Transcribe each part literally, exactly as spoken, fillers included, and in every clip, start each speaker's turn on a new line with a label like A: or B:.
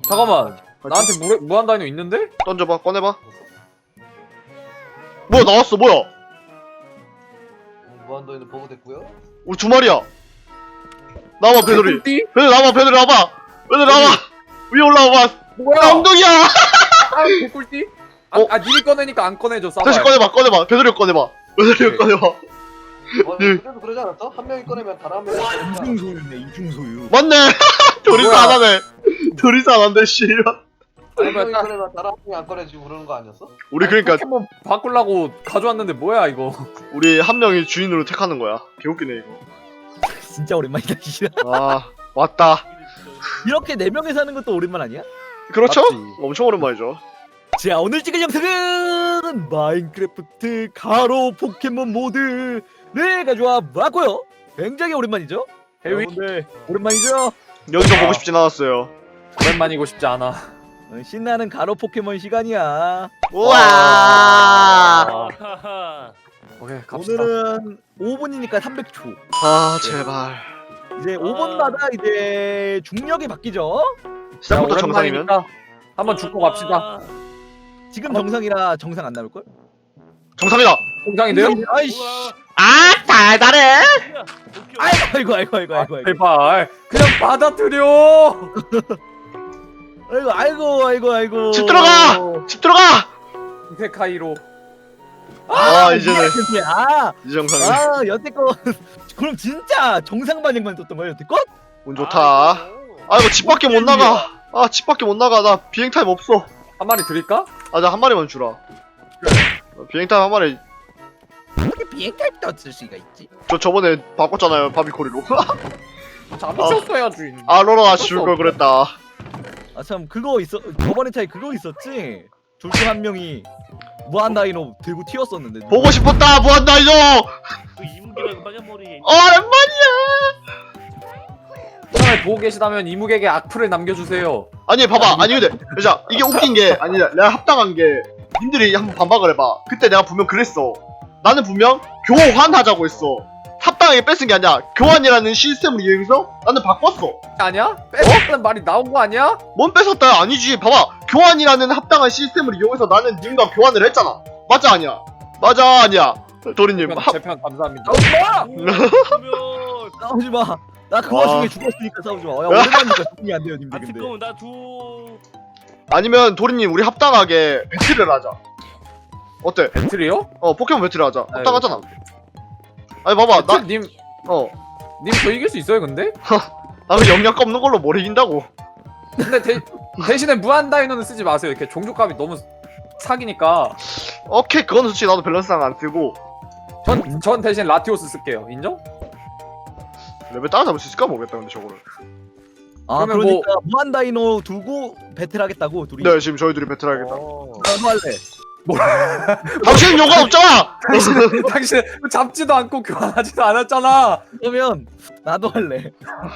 A: 잠깐만. 나한테 무, 무한다이노 있는데?
B: 던져봐. 꺼내봐. 뭐야 나왔어. 뭐야?
C: 무한도에는 버그됐고요.
B: 우리 두 마리야. 나와봐 배들이.
A: 개꿀띠?
B: 배들 나와봐. 배들 나와봐. 배들 나와. 위에 올라와봐.
A: 뭐야?
B: 나 엉덩이야.
A: 아, 개꿀띠? 아,
B: 어?
A: 아, 님이 꺼내니까 안 꺼내줘. 싸봐.
B: 다시 꺼내봐. 꺼내봐. 배들이 꺼내봐. 배들이
A: 오케이.
B: 꺼내봐.
C: 어, 그래도 그러지 않았어? 한 명이 꺼내면 다른 한 명이 꺼내니까.
D: 이중소유네 이중소유.
B: 맞네. 둘이서
A: 뭐야?
B: 안 하네. 둘이서 안 한대 씨.
C: 한 명이
A: 딱-
C: 꺼내면 다른 한 명이 안 꺼내지고 그러는 거 아니었어?
B: 우리 그러니까
A: 포켓몬 바꾸려고 가져왔는데 뭐야 이거?
B: 우리 한 명이 주인으로 택하는 거야. 개웃기네 이거.
D: 진짜 오랜만이다. 진짜.
B: 아 왔다.
D: 이렇게 네 명이서 하는 것도 오랜만 아니야?
B: 그렇죠?
A: 맞지.
B: 엄청 오랜만이죠.
D: 자, 오늘 찍을 영상은 마인크래프트 가로 포켓몬 모드를 가져와 봤고요. 굉장히 오랜만이죠?
A: 해위
D: 여러분들 오랜만이죠?
B: 여기서
A: 아.
B: 보고 싶진 않았어요.
A: 오랜만이고 싶지 않아.
D: 어, 신나는 가로 포켓몬 시간이야.
B: 우와.
A: 아, 오케이 갑시다.
D: 오늘은 오 분이니까 삼백 초.
B: 아 제발.
D: 이제 오 분마다 이제 중력이 바뀌죠?
B: 시작부터
A: 자,
B: 정상이면?
A: 오랜만이니까 한번 죽고 갑시다.
D: 지금 정상이라 정상 안 나올걸?
B: 정상이다.
A: 공장인데요?
D: 아이씨.
B: 아 달달해.
D: 아이고 아이고 아이고 아이고 아이고
A: 제발 그냥 받아들여.
D: 아이고 아이고 아이고 아이고.
B: 집 들어가! 집 들어가.
A: 이세카이로.
B: 아 이제는
D: 근데 아,
B: 이 정상이.
D: 아 여태껏 그럼 진짜 정상 반응만 떴던 거야 여태껏?
B: 운 좋다. 아 이거 집 밖에 못 나가. 아 집 밖에 못 나가. 나 비행 타임 없어.
A: 한 마리 드릴까?
B: 아 나 한 마리만 주라. 어, 비행 타임 한 마리.
D: 어떻게 비행 타입도 없을 수가 있지?
B: 저 저번에 바꿨잖아요 바비코리로.
A: 잡으셨어야 주인.
B: 아 로로가 줄 걸 그랬다.
D: 아 참 그거 있어 저번에 차에 그거 있었지? 둘 중 한 명이 무한 다이노 들고 튀었었는데
B: 보고 싶었다 무한다이노.
E: 그 이무기랑 빨간머리.
B: 오랜만이야.
A: 처음에 보고 계시다면 이무에게 악플을 남겨주세요.
B: 아니 봐봐. 아니 근데 자 이게 웃긴 게 아니 내가 합당한 게 님들이 한번 반박을 해봐. 그때 내가 분명 그랬어. 나는 분명 교환하자고 했어. 합당하게 뺏은 게 아니야. 교환이라는 시스템을 이용해서 나는 바꿨어.
A: 아니야? 뺏었다는 말이 나온 거 아니야?
B: 뭔 뺏었다 아니지. 봐봐. 교환이라는 합당한 시스템을 이용해서 나는 님과 교환을 했잖아. 맞아 아니야? 맞아 아니야? 도리님 합...
A: 제편 감사합니다.
D: 싸우지 마. 나 그
B: 아.
D: 와중에 죽었으니까 싸우지 마. 야 오랜만이니까 적응이 안 돼요 님들
E: 아
D: 근데.
E: 잠깐만 나 두.
B: 아니면 도리님 우리 합당하게 배틀을 하자. 어때?
A: 배틀이요?
B: 어 포켓몬 배틀을 하자.
A: 아유,
B: 합당하잖아. 아니 봐봐 나
A: 님,
B: 어.
A: 님 저 이길 수 있어요 근데?
B: 나그 영역 없는 걸로 뭘 이긴다고.
A: 근데 대, 대신에 무한 다이노는 쓰지 마세요. 이렇게 종족값이 너무 사기니까.
B: 오케이 그거는 솔직히 나도 밸런스상 안 쓰고
A: 전, 전 대신 라티오스 쓸게요. 인정?
B: 레벨 따라잡을 수 있을까 모르겠다 근데 저거를.
D: 아
A: 그러면
D: 그러니까 무한 다이노 두고 배틀하겠다고 둘이.
B: 네 지금 저희 둘이 배틀하겠다.
A: 어.
D: 나도 할래.
B: 당신은 요가 없잖아.
A: 당신, 당신 잡지도 않고 교환하지도 않았잖아.
D: 그러면 나도 할래.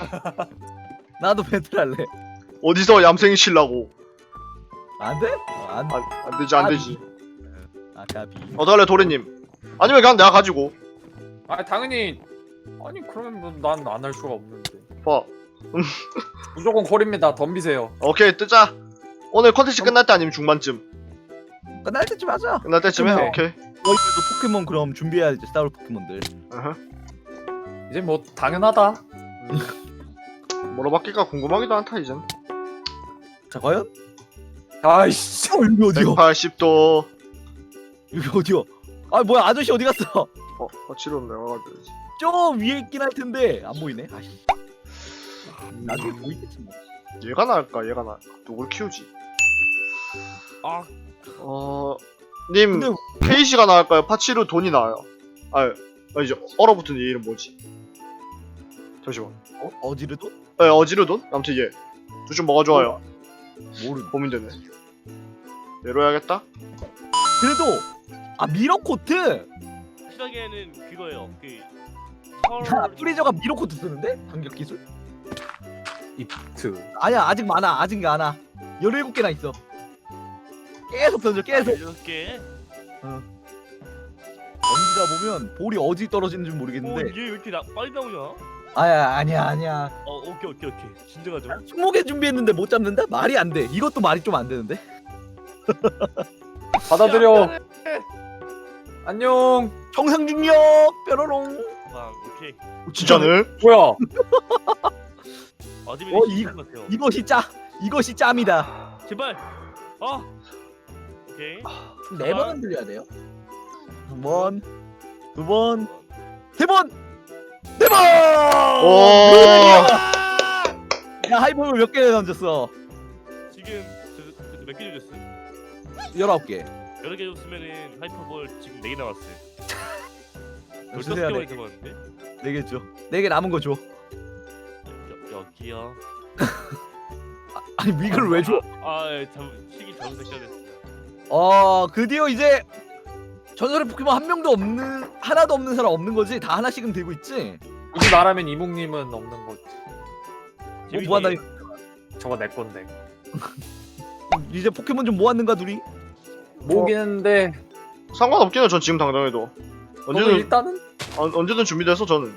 D: 나도 배틀할래.
B: 어디서 얌생이 칠라고.
D: 안 돼? 어, 안 돼.
B: 안, 안 되지 안 되지.
D: 아까비.
B: 어떡할래 도리님. 아니면 그냥 내가 가지고.
A: 아 당연히. 아니 그러면 난 안 할 수가 없는데.
B: 봐.
A: 무조건 콜입니다. 덤비세요.
B: 오케이 뜨자. 오늘 컨텐츠 끝날 때 아니면 중반쯤.
D: 끝날 때쯤 하자.
B: 끝날 때쯤 해.
A: 오케이.
B: 오케이.
D: 너희들도 포켓몬 그럼 준비해야지 싸울 포켓몬들.
B: 어허.
A: 이제 뭐 당연하다.
B: 뭐로 바뀔까 궁금하기도 않다 이젠.
D: 자 과연?
A: 아이씨.
D: 어 여기 어디요?
B: 백팔십 도.
D: 여기 어디요? 아 뭐야 아저씨 어디 갔어?
B: 어, 어 치료는 내가 가야지.
D: 저 위에 있긴 할 텐데 안 보이네. 아씨. 나중에 보이겠지 뭐.
B: 얘가 나을까 얘가 나을까 누굴 키우지?
E: 아
B: 어... 님
D: 근데
B: 케이시가 나을까요? 파치루 돈이 나아요. 아, 아 이제 얼어붙은 얘 이름 뭐지? 잠시만.
D: 어? 어지르도?
B: 에 어지르돈? 아무튼 얘. 둘 중 뭐가 좋아요?
D: 모르.
B: 고민되네. 얘로 해야겠다.
D: 그래도 아 미러코트.
E: 확실하게는 그거예요. 그
D: 야
E: 서울
D: 프리저가 미러코트 쓰는데 반격 기술?
A: 이트.
D: 아니야 아직 많아 아직 많아. 열일곱 개나 있어. 계속 던져 계속.
E: 여섯 개.
D: 던지다 보면 볼이 어디 떨어지는지
E: 어,
D: 모르겠는데
E: 얘 왜 이렇게 나, 빨리 나오냐?
D: 아야 아니야 아니야.
E: 어 오케이 오케이 오케이. 진정하죠.
D: 스무 개 준비했는데 못 잡는다? 말이 안 돼. 이것도 말이 좀 안 되는데.
A: 받아들여. 안녕.
D: 정상 중력 뾰로롱.
E: 아 오케이.
B: 진짜네?
A: 뭐야?
E: 아지미
D: 어,
E: 어,
D: 이-
E: 이 같아요.
D: 이것이 짜. 이것이 짬이다.
E: 제발. 아. 오케이.
D: 네 번은 들려야 돼요. 한 번, 두 번, 세 번, 네 번.
B: 오.
D: 야 하이볼을 몇 개 던졌어?
E: 지금 몇개 줬어?
D: 열아홉 개.
E: 여러 개 줬으면은 하이퍼볼 지금 네 개 남았어요.
D: 무슨
E: 열다섯
D: 해야
E: 개만
D: 돼?
E: 잡았는데?
D: 네 개 줘. 네 개 남은 거 줘.
E: 여, 여기요.
D: 아니 이걸 왜 줘?
E: 아, 예, 잘못 시기 잘못 생각했습니다.
D: 어 드디어 이제 전설의 포켓몬 한 명도 없는 하나도 없는 사람 없는 거지? 다 하나씩은 들고 있지?
A: 굳이 말하면 이묵님은 없는 거지.
D: 뭐 모았나?
A: 저거 내 건데.
D: 이제 포켓몬 좀 모았는가 둘이?
A: 모으겠는데
B: 상관없긴 해. 전 지금 당장해도
A: 저는
B: 언제든
A: 일단은
B: 어, 언제든 준비돼서 저는.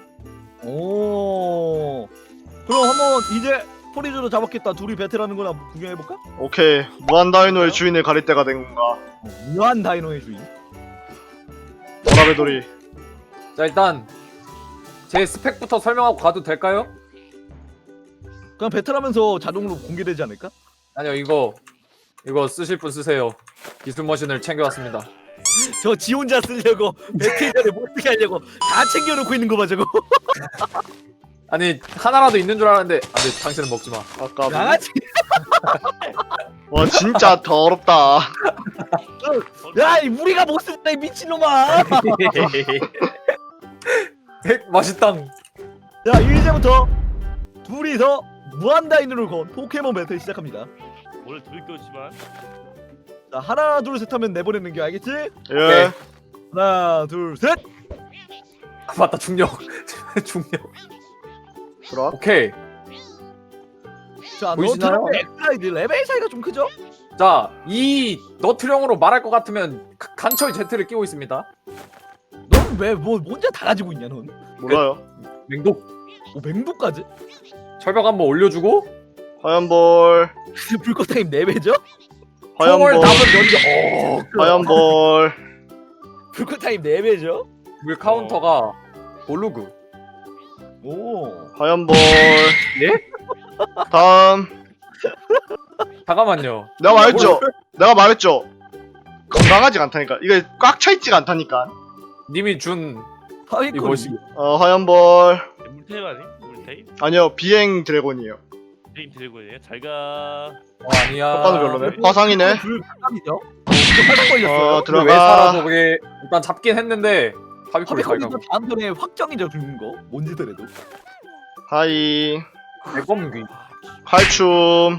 D: 오. 그럼 한번 이제 포리즈로 잡았겠다. 둘이 배틀하는 거나 구경해 볼까?
B: 오케이. 무한 다이노의 주인을 가릴 때가 된 건가?
D: 무한 다이노의 주인.
B: 보라베돌이.
A: 자 일단 제 스펙부터 설명하고 가도 될까요?
D: 그냥 배틀하면서 자동으로 공개되지 않을까?
A: 아니요 이거 이거 쓰실 분 쓰세요. 기술 머신을 챙겨왔습니다.
D: 저 지 혼자 쓰려고 배틀 전에 못 쓰게 하려고 다 챙겨놓고 있는 거 봐 저거.
A: 아니 하나라도 있는 줄 알았는데 안돼 당신은 먹지 마.
B: 아까
D: 양아치.
B: 와 진짜 더럽다.
D: 야, 이 우리가 못 쓴다 이 미친놈아.
A: 핵 맛있당.
D: 자, 이제부터 둘이서 무한 다이노를 건 포켓몬 배틀 시작합니다.
E: 원래 둘 거지만
D: 자, 하나 둘 셋 하면 내보내는 게 알겠지?
B: 예.
D: 하나 둘 셋.
A: 아, 맞다 중력. 중력.
B: 들어와.
A: 오케이.
D: 자,
A: 보이시나요?
D: 너트랑 엑스라이드 레벨 차이가 좀 크죠?
A: 자 이 너트령으로 말할 것 같으면 가- 강철 제트를 끼고 있습니다.
D: 넌 왜 뭐 혼자 다 가지고 있냐 넌?
B: 몰라요.
A: 맹독
D: 오, 맹도까지?
A: 철벽 한번 올려주고
B: 화염볼.
D: 불꽃 타임 네 배죠?
A: 총을
B: 화염볼.
A: 담은 연기. 어.
B: 화염볼.
D: 불꽃 타임 네 배죠?
A: 물 카운터가 볼루그.
D: 오.
B: 화염볼.
A: 예?
B: 다음.
A: 잠깐만요.
B: 내가 말했죠. 내가 말했죠. 건강하지가 않다니까. 이게 꽉 차있지가 않다니까.
A: 님이 준
D: 하위권.
A: 이것이
B: 어 화염볼.
E: 물타입 아니? 물타입?
B: 아니요 비행 드래곤이에요.
E: 게임 드래곤이에요. 잘가.
A: 어, 아니야.
B: 효과는 별로네. 화상이네.
D: 불 깜이죠? 화상 걸렸어요.
B: 어
A: 근데 왜
B: 들어가.
A: 살아서 그게 일단 잡긴 했는데 하비콜이
D: 하위권
A: 발각.
D: 다음 턴에 확정이죠 죽는 거. 뭔지더라도.
B: 하이.
A: 대검귀.
B: 칼춤.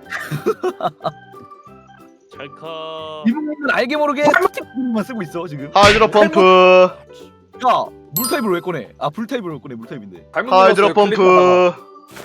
E: 잘가.
D: 이분은 알게 모르게 스틱만 쓰고 있어 지금.
B: 하이드로 펌프.
D: 야, 물 타입을 왜 꺼내? 아, 불 타입을 왜 꺼내? 물 타입인데.
B: 하이드로 펌프.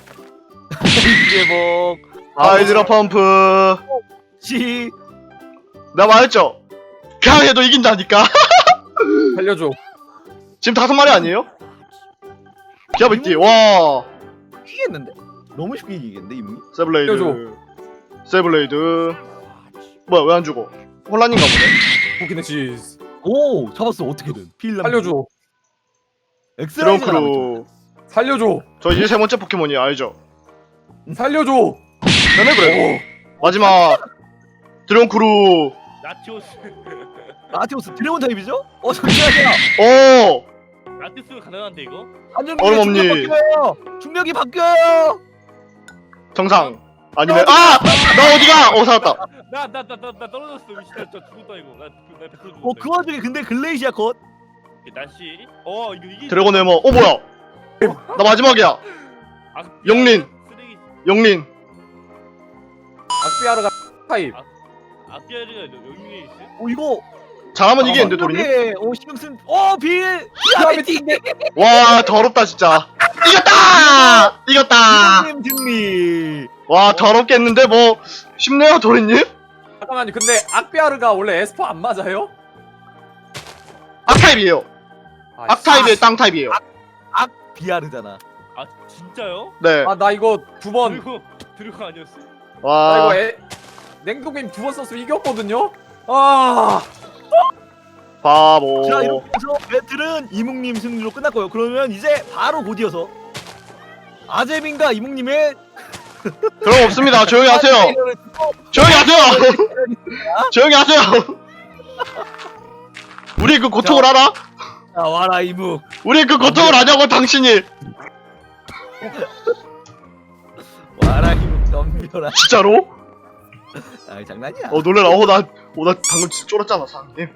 D: 이게 뭐
B: 하이드로 펌프.
D: 시.
B: 내가 말했죠. 그냥 해도 이긴다니까.
A: 살려줘.
B: 지금 다섯 마리 아니에요? 기아백띠. 와.
D: 이기겠는데? 너무 쉽게 이기겠는데 이분이?
B: 세블레이드.
A: 살려줘.
B: 세블레이드. 뭐야 왜 안 죽어? 혼란인가 보네.
A: 포키네시스.
D: 오, 잡았어 어떻게든. 필람.
A: 살려줘.
D: 엑스라이즈가 남았죠.
B: 드렁크루.
A: 살려줘.
B: 저 이제 세 번째 포켓몬이 알죠?
A: 살려줘.
B: 맨날 그래. 마지막. 드렁크루.
E: 나티오스.
D: 라티오스 드래곤 타입이죠? 어, 잠시만요.
B: 오.
E: 나티오스가 가능한데 이거?
D: 안전
B: 얼음 없니?
D: 중력이 바뀌어요. 중력이 바뀌어요.
B: 정상. 아니네. 아! 나 어디가? 어 살았다.
E: 나 나 나 나 나 떨어졌어. 미친 나 죽었다 이거. 나나 백 퍼센트 죽었다.
D: 어, 그 와중에 근데 글레이시아 컷.
E: 이거. 날씨. 어 이거 이게.
B: 드래곤 해머. 어 뭐야? 나 마지막이야.
E: 아,
B: 영린.
E: 쓰레기.
B: 영린.
A: 악비아르가 타입.
E: 아피아르가 영린에 있어?
D: 어, 이거
B: 잘하면 이기는데 도리님?
D: 중력에, 어, 신경 쓴. 어, 빌. 피아메틱.
B: 와 더럽다 진짜. 이겼다! 이겼다!
D: 님 승리.
B: 와 더럽겠는데 뭐 쉽네요 도리님?
A: 잠깐만요. 근데 악비아르가 원래 에스퍼 안 맞아요?
B: 악타입이에요.
A: 아,
B: 악타입이에요 땅타입이에요.
D: 악 비아르잖아.
E: 아 진짜요?
B: 네.
A: 아 나 이거 두 번 나
E: 들고 들고 아니었어.
B: 와.
A: 이거 애, 냉동게임 두 번 썼으면 이겼거든요? 아
B: 바보.
D: 자 이렇게 해서 배틀은 이묵님 승리로 끝났고요. 그러면 이제 바로 곧이어서 아재민과 이묵님의
B: 그런 거 없습니다. 조용히 하세요.
D: 무한다이노를 두고
B: 조용히 하세요. 조용히 하세요. 우리 그 고통을 알아?
D: 자 와라 이묵.
B: 우리 그 고통을 아냐고 당신이.
D: 와라 이묵 덤벼라.
B: 진짜로?
D: 아 장난이야.
B: 어 놀래라. 어나 어, 나 방금 진짜 쫄았잖아 사장님.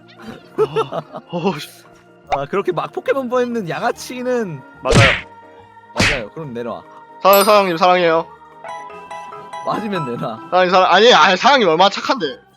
B: 어, 어, 씨.
D: 아 그렇게 막 포켓몬 보이는 양아치는
B: 맞아요.
D: 맞아요. 그럼 내놔.
B: 사, 사장님 사랑해요.
D: 맞으면 내놔.
B: 사장님 사랑 아니 아니 사장님 얼마나 착한데.